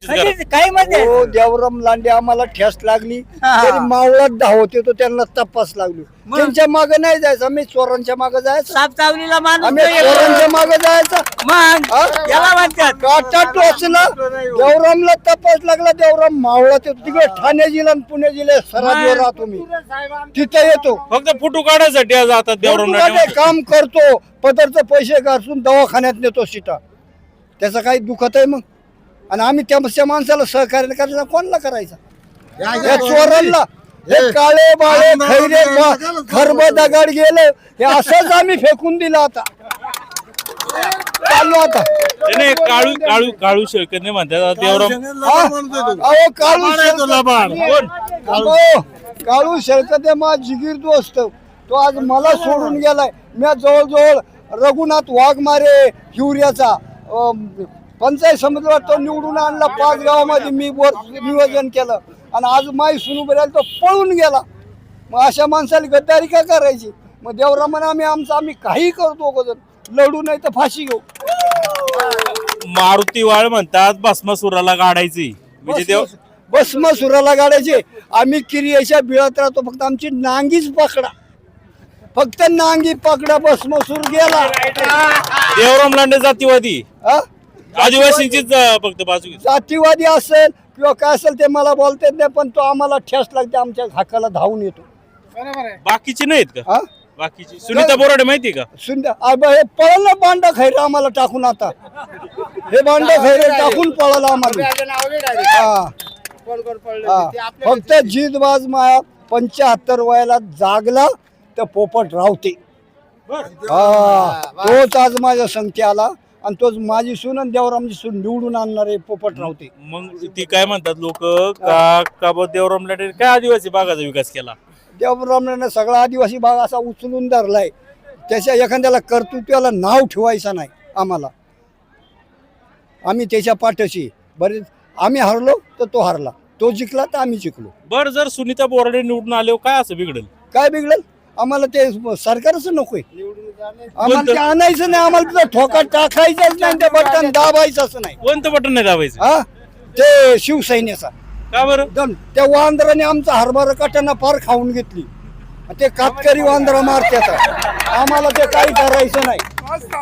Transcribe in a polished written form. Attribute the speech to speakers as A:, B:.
A: काय मध्ये
B: हो देवराम लांडे आम्हाला ठेस लागली
A: हा.
B: तरी मावळात धावत येतो त्यांना तपास लागली
A: मग?
B: त्यांच्या मागे नाही जायचं आम्ही चोरांच्या मागे जायचं
A: साप चावलीला माणूस
B: आम्ही
A: नाही येत.
B: चोरांच्या मागे जायचं
A: मग
B: हा?
A: याला म्हणतात
B: काटा टोचला देवरामला तपास लागला देवराम मावळात येतो तिकडे ठाणे जिल्हा आणि पुणे जिल्ह्यात सरादीवर राहतो मी तिथे येतो
C: फक्त फोटो काढायसाठी आज आता देवराम
B: फोटोमध्ये काम करतो पदरचे पैसे घासून दवाखान्यात नेतो सीटा त्याचं काही दुखत आहे मग आणि आम्ही त्या माणसाला सहकार्य करायचं कोणाला करायचं या चोरांना हे काळे बाळे खैरे खरब दगड गेले हे असंच आम्ही फेकून दिलं आता चालू आता
C: नाही काळू काळू काळू शेळकर म्हणतात आता देवराम
B: हा? अहो काळू शेळकते मा जिगीर दोस्त तो आज मला सोडून गेलाय मी जवळजवळ रघुनाथ वाघमारे हिवऱ्याचा पंचायत समितीवर तो निवडून आणला 5 गावामध्ये मी नियोजन केलं आणि आज माई सुनू बरेल तो पळून गेला मग अशा माणसाला गद्दारी का करायची मग देवरामाने आम्ही काही करतो लढू नाही तर फाशी घेऊ
C: मारुती वाळ म्हणतात भस्मासुराला काढायची म्हणजे देव
B: भस्मासुराला गाडायचे आम्ही किरियाच्या बिळात राहतो फक्त आमची नांगीच पकडा फक्त नांगी पकडा भस्मासूर गेला
C: देवराम लांडे जातीवादी
B: हा?
C: आदिवासींचीच फक्त बाजू घेतली.
B: जातीवादी असेल किंवा काय असेल ते मला बोलता येत नाही पण तो आम्हाला ठेस लागते आमच्या हाकाला धावून येतो
C: बाकीची नाहीत का
B: हा
C: बाकीची सुनीता बोराडे माहितीये का
B: सुंदर हे पळालं बांडा खैर आम्हाला टाकून आता हे बांडा खैर टाकून पळाला आम्हाला हा. हा. फक्त जीतबाज माया 75 वयाला जागला तर पोपट रावते हा तोच आज माझ्या संगती आला आणि तोच माझी सून आणि देवरामची सून निवडून आणणारे पोपट रावते
C: मग ती काय म्हणतात लोक का देवराम लांडे काय आदिवासी भागाचा विकास केला
B: देवरामने सगळा आदिवासी भाग असा उचलून धरलाय त्याच्या एखाद्याला कर्तृत्वाला नाव ठेवायचं नाही आम्हाला आम्ही त्याच्या पाठीशी बरेच आम्ही हरलो तर तो हरला तो जिंकला तर आम्ही जिंकलो
C: बर जर सुनीता बोराडे निवडून आले काय असं बिघडेल
B: काय बिघडेल आम्हाला ते सरकारच नकोय आम्हाला ते आणायचं नाही आम्हाला तिथं ठोका टाकायचाच नाही ते बटन दाबायचंच नाही
C: कोणतं बटन नाही दाबायचं
B: हा ते शिवसैन्याचा
C: का बरं
B: एकदम त्या वांदराने आमचा हरभरा काट्यांना फार खाऊन घेतली ते कातकरी वांदरा मारत्याचा आम्हाला ते काही करायचं नाही